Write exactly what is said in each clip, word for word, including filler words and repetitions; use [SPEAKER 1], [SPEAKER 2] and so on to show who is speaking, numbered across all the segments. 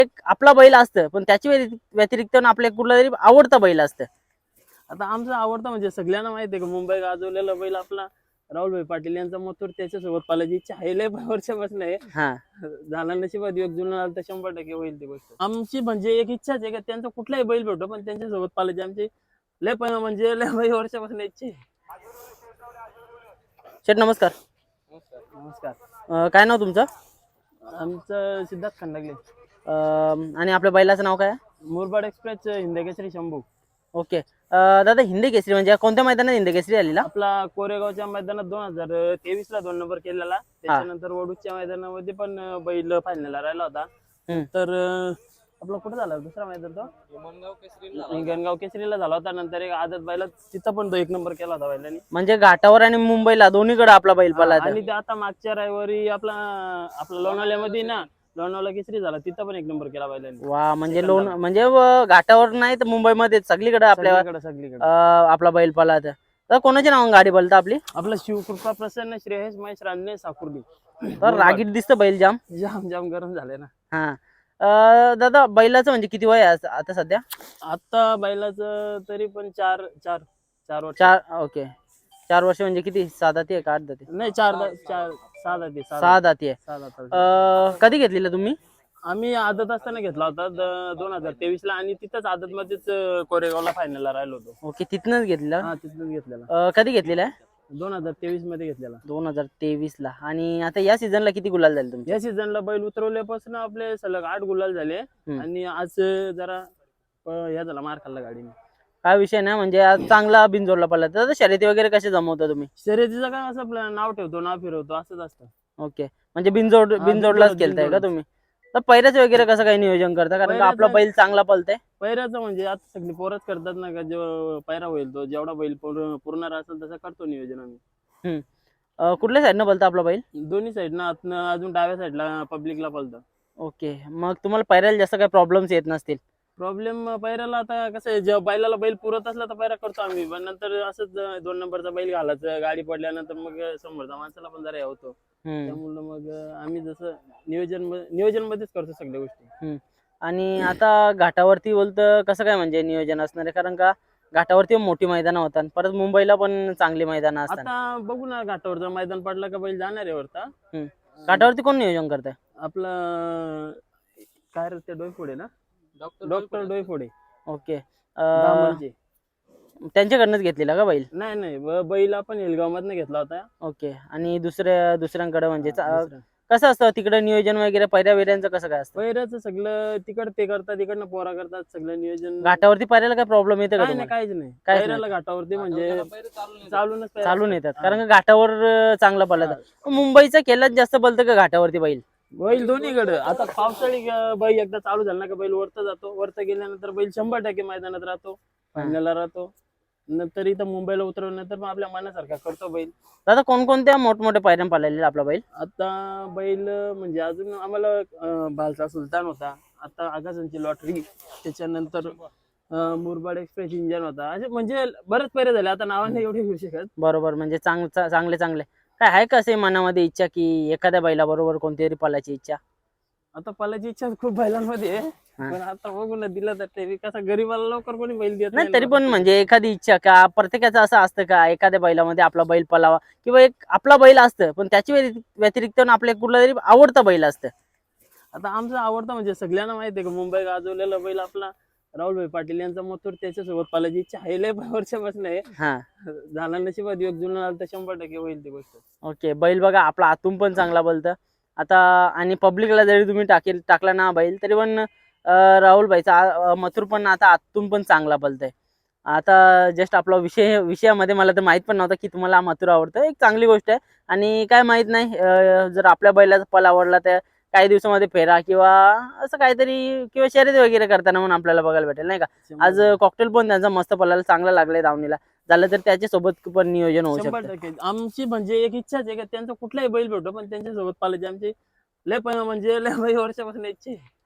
[SPEAKER 1] एक आपला बैल असतं पण त्याची व्यतिरिक्त आपल्या कुठला तरी आवडता बैल असतं.
[SPEAKER 2] आता आमचा आवडता म्हणजे सगळ्यांना माहिती आहे का मुंबई गाजवलेला बैल आपला राहुलभाई पाटील यांचा मथुर, त्याच्यासोबत पालाची इच्छा आहे. लय वर्षापासून आहे.
[SPEAKER 1] हा
[SPEAKER 2] झाला नशिबात योग जुना आला तर शंभर टक्के होईल ती गोष्ट. आमची म्हणजे एक इच्छाच आहे का त्यांचा कुठलाही बैल भेटो पण त्यांच्यासोबत पालायची आमची लय पण म्हणजे लय वर्षापासून इच्छा आहे.
[SPEAKER 1] शेठ नमस्कार.
[SPEAKER 2] नमस्कार.
[SPEAKER 1] अं, काय नाव तुमचं?
[SPEAKER 2] आमचं सिद्धार्थ खंडागले.
[SPEAKER 1] अं, आणि आपल्या बैलाचं नाव काय आहे?
[SPEAKER 2] मुरबाड एक्सप्रेस हिंदकेसरी शंभू.
[SPEAKER 1] ओके. अं, दादा हिंदी केसरी म्हणजे कोणत्या मैदानात हिंदी केसरी आलेला?
[SPEAKER 2] आपला कोरेगावच्या मैदानात दोन हजार तेवीस ला दोन नंबर केलेला. त्याच्यानंतर वडूच्या मैदानामध्ये पण बैल फायनलला राहिला होता. तर आपला कुठे झाला दुसरा मैदान तो हिंगणगाव केसरीला झाला होता. नंतर एक आदत बैला तिथं पण तो एक नंबर केला होता बैलांनी.
[SPEAKER 1] म्हणजे घाटावर आणि मुंबईला दोन्हीकडे आपला बैल पळाला.
[SPEAKER 2] आणि ते आता मागच्या रविवारी आपला आपला लोणावल्यामध्ये ना लोणावळा केसरी झाला, तिथं पण एक नंबर केला बैलांनी.
[SPEAKER 1] वा म्हणजे लोण म्हणजे घाटावर नाही तर मुंबईमध्ये सगळीकडे आपल्या
[SPEAKER 2] सगळीकडे
[SPEAKER 1] आपला बैल पळाला. तर कोणाच्या नावाने गाडी बोलता आपली?
[SPEAKER 2] आपला शिवकृपा प्रसन्न श्रेयस महेश रांजणे साकुर्डी.
[SPEAKER 1] तर रागीट दिसतं बैल जाम
[SPEAKER 2] जाम जाम गरम झाले ना.
[SPEAKER 1] हा अं, दादा बैलाचं म्हणजे किती वय आहे आता सध्या?
[SPEAKER 2] आता बैलाचं तरी पण चार चार चार वर्ष.
[SPEAKER 1] चार. ओके. चार वर्ष म्हणजे किती, सात दाती आहे का आठ दाती?
[SPEAKER 2] नाही चार दा- चार सहा दाती
[SPEAKER 1] सहा दाती आहे.
[SPEAKER 2] सहा दाती.
[SPEAKER 1] अं, कधी घेतलेला तुम्ही?
[SPEAKER 2] आम्ही आदत असताना घेतला होता दोन हजार तेवीस ला आणि तिथंच आदत मध्येच कोरेगावला फायनलला राहिलो होतो.
[SPEAKER 1] ओके तिथनच घेतलेला.
[SPEAKER 2] हा तिथून घेतलेला.
[SPEAKER 1] अं, कधी घेतलेला आहे?
[SPEAKER 2] दोन हजार तेवीस मध्ये घेतलेला.
[SPEAKER 1] दोन हजार तेवीस ला. आणि आता या सीझनला किती गुलाल झाले तुमचे?
[SPEAKER 2] या सीझनला बैल उतरवल्यापासून आपले सलग आठ गुलाल झाले. आणि आज जरा ह्या झाला मार खाल्ला गाडीने.
[SPEAKER 1] काय विषय नाही म्हणजे आज चांगला बिनजोडला पडला. तर शर्यती वगैरे कसे जमवता तुम्ही?
[SPEAKER 2] शर्यतीचं काय असं आपलं नाव ठेवतो नाव फिरवतो असंच असतं.
[SPEAKER 1] ओके म्हणजे बिनजोड बिनजोडलाच केलताय का तुम्ही? तर पैऱ्याचं वगैरे कसं काही नियोजन करता? कारण का आपला बैल चांगला पळतंय.
[SPEAKER 2] पैऱ्याचं म्हणजे आता सगळी पोरच करतात ना का, जो पैरा होईल तो जेवढा बैल पूर्ण असेल तसं करतो नियोजन आम्ही.
[SPEAKER 1] हम्म कुठल्या साईडनं पळतं आपला बैल?
[SPEAKER 2] दोन्ही साईडनं आतनं अजून डाव्या साईडला पब्लिकला पळतं.
[SPEAKER 1] ओके मग तुम्हाला पैऱ्याला जास्त काही प्रॉब्लेम्स येत नसतील?
[SPEAKER 2] प्रॉब्लेम पैराला आता कसं आहे, जेव्हा बैलाला बैल पुरत असला तर पैरा करतो आम्ही. पण नंतर असंच दोन नंबरचा बैल घालायचं गाडी पडल्यानंतर मग समोरचा माणसाला पण जरा हे होतो. त्यामुळे मग आम्ही जसं नियोजन नियोजन मध्येच करतो सगळ्या गोष्टी.
[SPEAKER 1] आणि आता घाटावरती बोलतं कसं काय म्हणजे नियोजन असणार आहे? कारण का घाटावरती मोठी मैदानं होतात, परत मुंबईला पण चांगली मैदानं असतात.
[SPEAKER 2] आता बघू ना घाटावर जर मैदान पडला का बैल जाणार आहे वरता.
[SPEAKER 1] घाटावरती कोण नियोजन करताय?
[SPEAKER 2] आपलं काय रे ते डोईफोडे ना, डॉक्टर डोईफोडे.
[SPEAKER 1] ओके.
[SPEAKER 2] धामणचे.
[SPEAKER 1] त्यांच्याकडनंच घेतलेला का बैल?
[SPEAKER 2] नाही नाही बैल आपण हेलगाव मधनं घेतला होता.
[SPEAKER 1] ओके. आणि दुसऱ्या दुसऱ्यांकडे म्हणजे कसं असतं तिकडे नियोजन वगैरे पैऱ्या वैऱ्यांचं कसं काय असतं?
[SPEAKER 2] पैऱ्याचं सगळं तिकड ते करतात तिकडनं पोरा करतात सगळं नियोजन.
[SPEAKER 1] घाटावरती पैऱ्याला काय प्रॉब्लेम येते का?
[SPEAKER 2] नाही काहीच नाही.
[SPEAKER 1] काहीच
[SPEAKER 2] पैऱ्याला घाटावरती म्हणजे चालूनच
[SPEAKER 1] चालून येतात कारण का घाटावर चांगला पळतात. मुंबईचा केलाच जास्त पळतं का घाटावरती बैल?
[SPEAKER 2] बैल दोन्हीकडे. आता पावसाळी बैल एकदा चालू झाला का बैल वरता जातो. वरता गेल्यानंतर बैल शंभर टक्के मैदानात राहतो, फायनलला राहतो. नंतर इथं मुंबईला उतरवल्यानंतर मग आपल्या मनासारखा करतो बैल.
[SPEAKER 1] दादा कोणकोणत्या मोठमोठ्या पायऱ्या पाळलेल्या आपला बैल?
[SPEAKER 2] आता बैल म्हणजे अजून आम्हाला भालचा सुलतान होता, आता आकाशांची लॉटरी, त्याच्यानंतर मुरबाड एक्सप्रेस इंजन होता. असे म्हणजे बरेच पैरे झाले, आता नावाने एवढे घेऊ शकत.
[SPEAKER 1] बरोबर म्हणजे चांग चांगले चांगले काय आहे का असे मनामध्ये इच्छा की एखाद्या बैला बरोबर कोणतीतरी पळायची इच्छा?
[SPEAKER 2] आता पळायची इच्छा खूप बैलांमध्ये आहे, पण आता बघू ना दिलं तर ते कसं गरीबाला लवकर कोणी बैल देत
[SPEAKER 1] नाही. तरी पण म्हणजे एखादी इच्छा का प्रत्येकाचं असं असतं का एखाद्या बैलामध्ये आपला बैल पळावा किंवा एक आपला बैल असतं पण त्याची व्यतिरिक्त आपल्या कुठला तरी आवडता बैल असतं?
[SPEAKER 2] आता आमचा आवडता म्हणजे सगळ्यांना माहिती आहे का मुंबई गाजवलेला बैल आपला राहुलभाई पाटील यांचा मथुर, त्याच्यासोबत पालायची इच्छा आहे. लय वर्षापासून आहे. झाला नशिबात योग जुना आला तर शंभर टक्के होईल ती गोष्ट.
[SPEAKER 1] ओके. बैल बघा आपला आतून पण चांगला बोलतं आता आणि पब्लिकला जरी तुम्ही टाकेल टाकला ना बैल तरी पण राहुल भाईचा मथुर पण आता आतून पण चांगला बोलतंय. आता जस्ट आपला विषय विषयामध्ये मला तर माहित पण नव्हतं की तुम्हाला मथुर आवडतं. एक चांगली गोष्ट आहे. आणि काय माहित नाही जर आपल्या बैलाचा पल आवडला तर काही दिवसामध्ये फेरा किंवा असं काहीतरी किंवा शर्यती वगैरे करताना म्हणून आपल्याला बघायला भेटेल नाही का. आज कॉकटेल पण त्यांचा मस्त पलायला चांगला लागलाय धावणीला, झालं तर त्याच्यासोबत पण नियोजन होऊ शकतं.
[SPEAKER 2] आमची म्हणजे एक इच्छाच आहे का त्यांचा कुठलाही बैल भेटो पण त्यांच्यासोबत पालायची आमची लय पण म्हणजे लय वर्षापासून इच्छा आहे.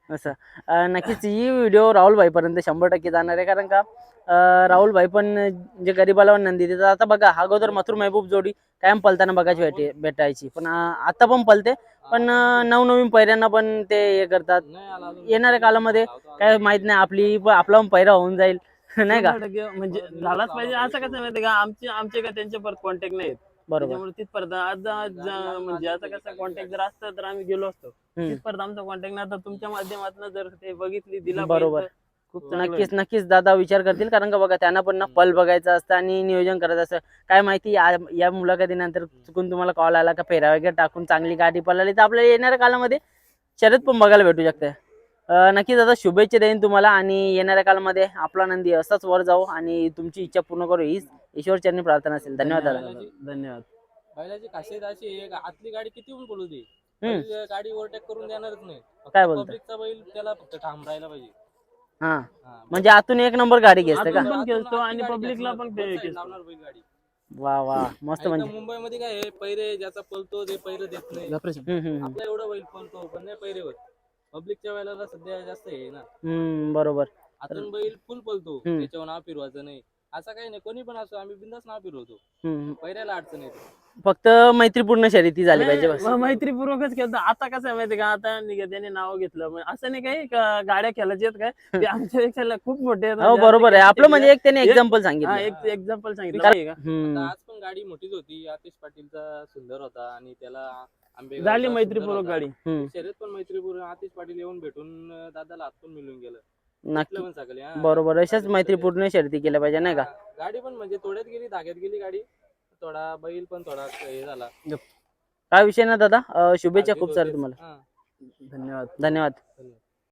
[SPEAKER 1] असं अं, नक्कीच ही व्हिडिओ राहुल भाई पर्यंत शंभर टक्के जाणार आहे, कारण का अं, राहुल भाई पण जे गरीबाला नंदी देतात. आता बघा अगोदर मथुर महबूब जोडी कायम पलताना बघायची भेटे भेटायची, पण अं, आता पण पलते, पण अं, नवनवीन पैऱ्यांना पण ते हे करतात. येणाऱ्या काळामध्ये काय माहित नाही, आपली पण आपला पण पैरा होऊन जाईल नाही का.
[SPEAKER 2] शंभर टक्के म्हणजे झालाच पाहिजे. असं कसं माहिती का, आमचे आमचे का त्यांचे परत कॉन्टॅक्ट नाहीत,
[SPEAKER 1] बरोबर.
[SPEAKER 2] त्याच्यामुळे तिथपर्यंत आज आज म्हणजे आता कसं कॉन्टॅक्ट जर असतं तर आम्ही गेलो असतो.
[SPEAKER 1] हम्म.
[SPEAKER 2] तिथपर्यंत आमचा कॉन्टॅक्ट नाही. आता तुमच्या माध्यमातून जर ते बघितली दिला
[SPEAKER 1] बरोबर.
[SPEAKER 2] पाहिजे तर खूप चांगलं
[SPEAKER 1] नक्कीच
[SPEAKER 2] होईल.
[SPEAKER 1] नक्कीच दादा विचार करतील, कारण का बघा त्यांना पण ना पल बघायचं असतं आणि नियोजन करायचं असतं. काय माहिती या या मुलाखतीनंतर चुकून तुम्हाला कॉल आला का फेरा वगैरे टाकून चांगली गाडी पळाली तर आपल्याला येणाऱ्या काळामध्ये शर्यत पण बघायला भेटू शकते. अं, नक्कीच दादा शुभेच्छा देईन तुम्हाला, आणि येणाऱ्या काळामध्ये आपला नंदी असाच वर जाऊ आणि तुमची इच्छा पूर्ण करू हीच ईश्वरचरणी प्रार्थना असेल. धन्यवाद दादा.
[SPEAKER 2] धन्यवाद.
[SPEAKER 3] बैलाची खासियत अशी आहे का आतली गाडी किती पण बोलू दे,
[SPEAKER 1] हम्म.
[SPEAKER 3] बैल गाडी ओव्हरटेक करून देणारच नाही.
[SPEAKER 1] काय बोलता?
[SPEAKER 3] पब्लिकचा बैल त्याला फक्त ठाम राहायला पाहिजे.
[SPEAKER 1] हा
[SPEAKER 3] हा,
[SPEAKER 1] म्हणजे आतून एक नंबर गाडी घेसते का?
[SPEAKER 2] आतून पण
[SPEAKER 3] आतून
[SPEAKER 2] खेचतो आणि
[SPEAKER 3] आतली गाडी
[SPEAKER 2] पब्लिकला
[SPEAKER 3] खेचणार,
[SPEAKER 2] पण
[SPEAKER 3] दोन
[SPEAKER 2] खेचतो.
[SPEAKER 3] side लावणार बैल गाडी.
[SPEAKER 1] वा वा मस्त.
[SPEAKER 3] आणि
[SPEAKER 1] म्हणजे
[SPEAKER 3] इथं मुंबईमध्ये काय आहे, पैरे ज्याचा पलतो ते पैरे देत नाही.
[SPEAKER 1] हम्म, हम्म, हम्म.
[SPEAKER 3] आपला एवढा बैल पलतो पण नाही पैरेवर. पब्लिकच्या वेळेला सध्या जास्त आहे ना,
[SPEAKER 1] हम्म बरोबर.
[SPEAKER 3] आतून बैल फुल पलतो,
[SPEAKER 1] हम्म.
[SPEAKER 3] त्याच्यावर नाव फिरवायचं नाही. असं काही नाही, कोणी पण असो आम्ही बिंदास नाव फिरवतो,
[SPEAKER 1] हम्म.
[SPEAKER 3] पैऱ्याला अडचण येते.
[SPEAKER 1] फक्त मैत्रीपूर्ण शर्यती झाली पाहिजे बस.
[SPEAKER 2] नाही, मैत्रीपूर्वकच खेळतो. आता कसं आहे माहिती का, आता निघा त्याने नाव घेतलं म्हणजे असं नाही काही का गाड्या खेळायच्या आहेत काय, ते आमच्या पेक्षा खूप मोठे आहेत.
[SPEAKER 1] हो
[SPEAKER 2] म्हणजे
[SPEAKER 1] बरोबर आहे.
[SPEAKER 2] आता
[SPEAKER 1] आपलं म्हणजे एक त्याने
[SPEAKER 2] एक-
[SPEAKER 1] एक्झाम्पल
[SPEAKER 2] हा,
[SPEAKER 1] सांगितलं.
[SPEAKER 2] एक एक्झाम्पल सांगितलं
[SPEAKER 1] कारण-
[SPEAKER 2] नाही का.
[SPEAKER 1] हम्म.
[SPEAKER 3] आता आज पण गाडी मोठीच होती. आतिश पाटीलचा सुंदर होता आणि त्याला आंबेगावचा
[SPEAKER 2] झाली
[SPEAKER 3] सुंदर
[SPEAKER 2] मैत्रीपूर्वक
[SPEAKER 3] होता.
[SPEAKER 2] गाडी.
[SPEAKER 1] हम्म.
[SPEAKER 3] शर्यत पण मैत्रीपूर्वक. आतिश पाटील येऊन भेटून अं, दादाला हात पण मिळून गेलं.
[SPEAKER 1] नक्की
[SPEAKER 3] भेटलं पण सकाळी, हा.
[SPEAKER 1] बरोबर. अशाच
[SPEAKER 3] गाडी
[SPEAKER 1] मैत्रीपूर्ण शर्यती केल्या पाहिजे नाही का.
[SPEAKER 3] हा, गाडी पण म्हणजे थोड्यात गेली, धाग्यात गेली गाडी. थोडा बैल पण थोडा हे झाला.
[SPEAKER 1] काय विषय ना दादा. अं, शुभेच्छा
[SPEAKER 3] चालते
[SPEAKER 1] खूप साऱ्या
[SPEAKER 3] होतेच.
[SPEAKER 1] तुम्हाला.
[SPEAKER 3] हा.
[SPEAKER 2] धन्यवाद.
[SPEAKER 1] धन्यवाद.
[SPEAKER 3] धन्यवाद.